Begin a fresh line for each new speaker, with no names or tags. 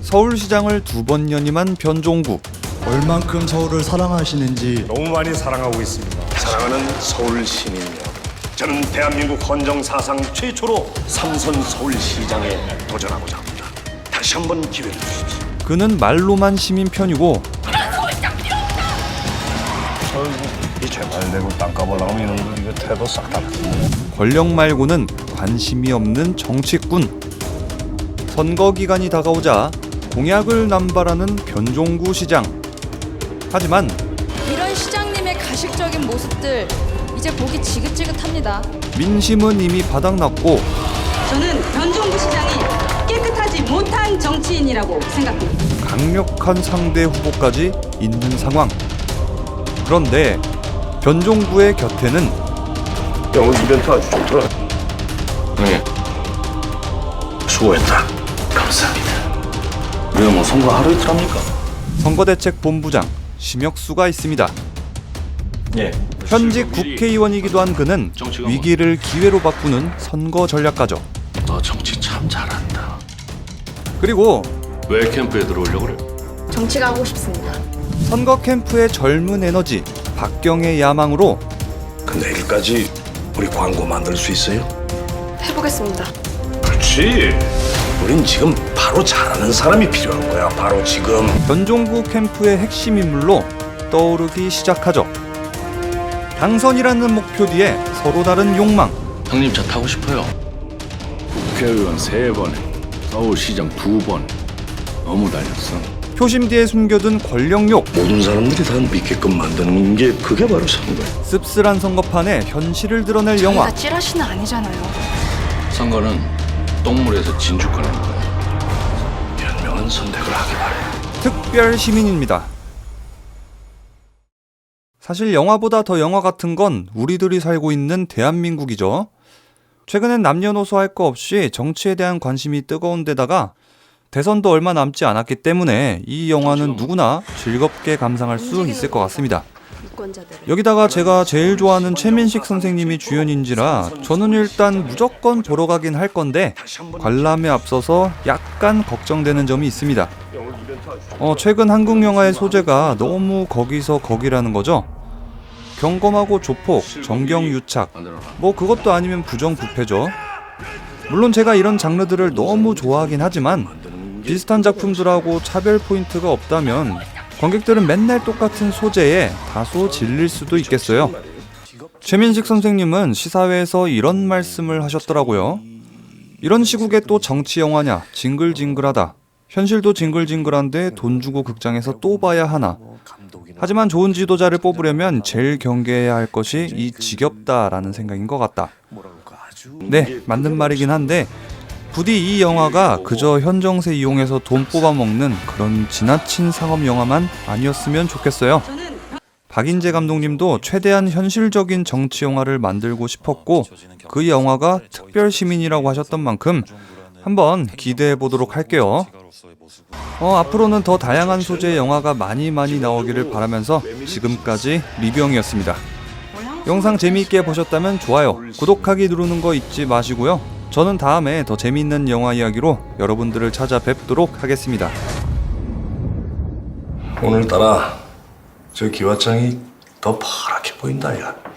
서울시장을 2번 연임한 변종구.
얼만큼 서울을 사랑하시는지.
너무 많이 사랑하고 있습니다.
사랑하는 서울 시민 여러분, 저는 대한민국 헌정 사상 최초로 3선 서울시장에 도전하고자 합니다. 다시 한번 기회를 주십시오.
그는 말로만 시민 편이고
이 재발되고 땅값 올라가면 이놈들 이거 태도 싹 다.
권력 말고는 관심이 없는 정치꾼. 선거 기간이 다가오자 공약을 남발하는 변종구 시장. 하지만
이런 시장님의 가식적인 모습들 이제 보기 지긋지긋합니다.
민심은 이미 바닥났고
저는 변종구 시장이 깨끗하지 못한 정치인이라고 생각합니다.
강력한 상대 후보까지 있는 상황. 그런데 변종구의 곁에는
오늘 이벤트 아주 좋더라. 네. 수고했다. 감사합니다. 우리가 뭐 선거 하루 이틀 합니까?
선거대책본부장 심혁수가 있습니다.
예.
현직 국회의원이기도 한 그는 위기를 기회로 바꾸는 선거 전략가죠.
너 정치 참 잘한다.
그리고
왜 캠프에 들어오려고 그래?
정치가 하고 싶습니다.
선거 캠프의 젊은 에너지, 박경의 야망으로
그 내일까지 우리 광고 만들 수 있어요?
해보겠습니다.
그렇지. 우린 지금 바로 잘하는 사람이 필요한 거야. 바로 지금.
변종구 캠프의 핵심 인물로 떠오르기 시작하죠. 당선이라는 목표 뒤에 서로 다른 욕망.
형님 차 타고 싶어요. 국회의원 3번에 서울시장 2번. 너무 달렸어.
표심 뒤에 숨겨둔 권력욕.
모든 사람들이 다 믿게끔 만드는 게 그게 바로 선거야.
씁쓸한 선거판에 현실을 드러낼 영화.
저희가 찌라시는 아니잖아요.
선거는 똥물에서 진주 꺼내는 거야.
현명한 선택을 하기 바래.
특별 시민입니다. 사실 영화보다 더 영화 같은 건 우리들이 살고 있는 대한민국이죠. 최근엔 남녀노소 할 거 없이 정치에 대한 관심이 뜨거운 데다가 대선도 얼마 남지 않았기 때문에 이 영화는 누구나 즐겁게 감상할 수 있을 것 같습니다. 여기다가 제가 제일 좋아하는 최민식 선생님이 주연인지라 저는 일단 무조건 보러 가긴 할 건데 관람에 앞서서 약간 걱정되는 점이 있습니다. 최근 한국 영화의 소재가 너무 거기서 거기라는 거죠. 경검하고 조폭, 정경유착, 뭐 그것도 아니면 부정부패죠. 물론 제가 이런 장르들을 너무 좋아하긴 하지만 비슷한 작품들하고 차별 포인트가 없다면 관객들은 맨날 똑같은 소재에 다소 질릴 수도 있겠어요. 최민식 선생님은 시사회에서 이런 말씀을 하셨더라고요. 이런 시국에 또 정치 영화냐, 징글징글하다. 현실도 징글징글한데 돈 주고 극장에서 또 봐야 하나. 하지만 좋은 지도자를 뽑으려면 제일 경계해야 할 것이 이 지겹다라는 생각인 것 같다. 네, 맞는 말이긴 한데 부디 이 영화가 그저 현정세 이용해서 돈 뽑아먹는 그런 지나친 상업 영화만 아니었으면 좋겠어요. 박인재 감독님도 최대한 현실적인 정치 영화를 만들고 싶었고 그 영화가 특별시민이라고 하셨던 만큼 한번 기대해 보도록 할게요. 앞으로는 더 다양한 소재의 영화가 많이 나오기를 바라면서 지금까지 리뷰형이었습니다. 영상 재미있게 보셨다면 좋아요, 구독하기 누르는 거 잊지 마시고요. 저는 다음에 더 재미있는 영화 이야기로 여러분들을 찾아뵙도록 하겠습니다.
오늘따라 저 기와장이 더 파랗게 보인다, 야.